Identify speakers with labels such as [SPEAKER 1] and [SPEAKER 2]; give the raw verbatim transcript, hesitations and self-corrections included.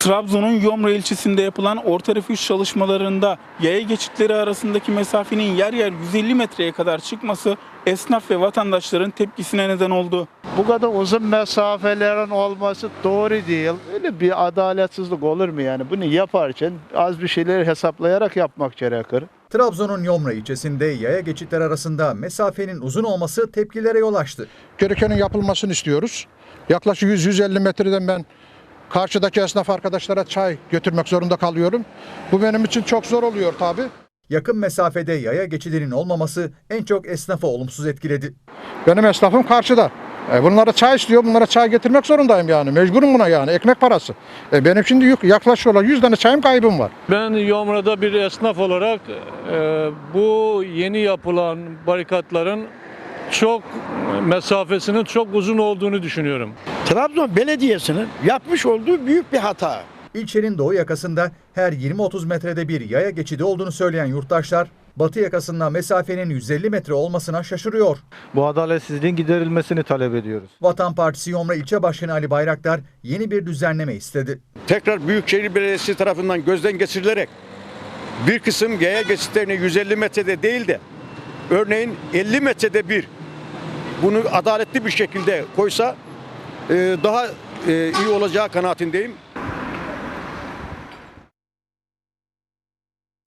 [SPEAKER 1] Trabzon'un Yomra ilçesinde yapılan orta refüj çalışmalarında yaya geçitleri arasındaki mesafenin yer yer yüz elli metreye kadar çıkması esnaf ve vatandaşların tepkisine neden oldu.
[SPEAKER 2] Bu kadar uzun mesafelerin olması doğru değil. Öyle bir adaletsizlik olur mu yani? Bunu yaparken az bir şeyleri hesaplayarak yapmak gerekir.
[SPEAKER 3] Trabzon'un Yomra ilçesinde yaya geçitler arasında mesafenin uzun olması tepkilere yol açtı.
[SPEAKER 4] Gerekenin yapılmasını istiyoruz. Yaklaşık yüz yüz elli metreden ben karşıdaki esnaf arkadaşlara çay götürmek zorunda kalıyorum. Bu benim için çok zor oluyor tabii.
[SPEAKER 3] Yakın mesafede yaya geçidinin olmaması en çok esnafı olumsuz etkiledi.
[SPEAKER 4] Benim esnafım karşıda. E bunlara çay istiyor, bunlara çay getirmek zorundayım yani. Mecburum buna yani, ekmek parası. E benim şimdi yük, yaklaşık olarak yüz tane çayım kaybım var.
[SPEAKER 5] Ben Yomra'da bir esnaf olarak e, bu yeni yapılan barikatların çok mesafesinin çok uzun olduğunu düşünüyorum.
[SPEAKER 6] Trabzon Belediyesi'nin yapmış olduğu büyük bir hata.
[SPEAKER 3] İlçenin doğu yakasında her yirmi otuz metrede bir yaya geçidi olduğunu söyleyen yurttaşlar, batı yakasında mesafenin yüz elli metre olmasına şaşırıyor.
[SPEAKER 7] Bu adaletsizliğin giderilmesini talep ediyoruz.
[SPEAKER 3] Vatan Partisi Yomra İlçe Başkanı Ali Bayraktar yeni bir düzenleme istedi.
[SPEAKER 8] Tekrar Büyükşehir Belediyesi tarafından gözden geçirilerek bir kısım yaya geçitlerini yüz elli metrede değil de örneğin elli metrede bir bunu adaletli bir şekilde koysa daha iyi olacağı kanaatindeyim.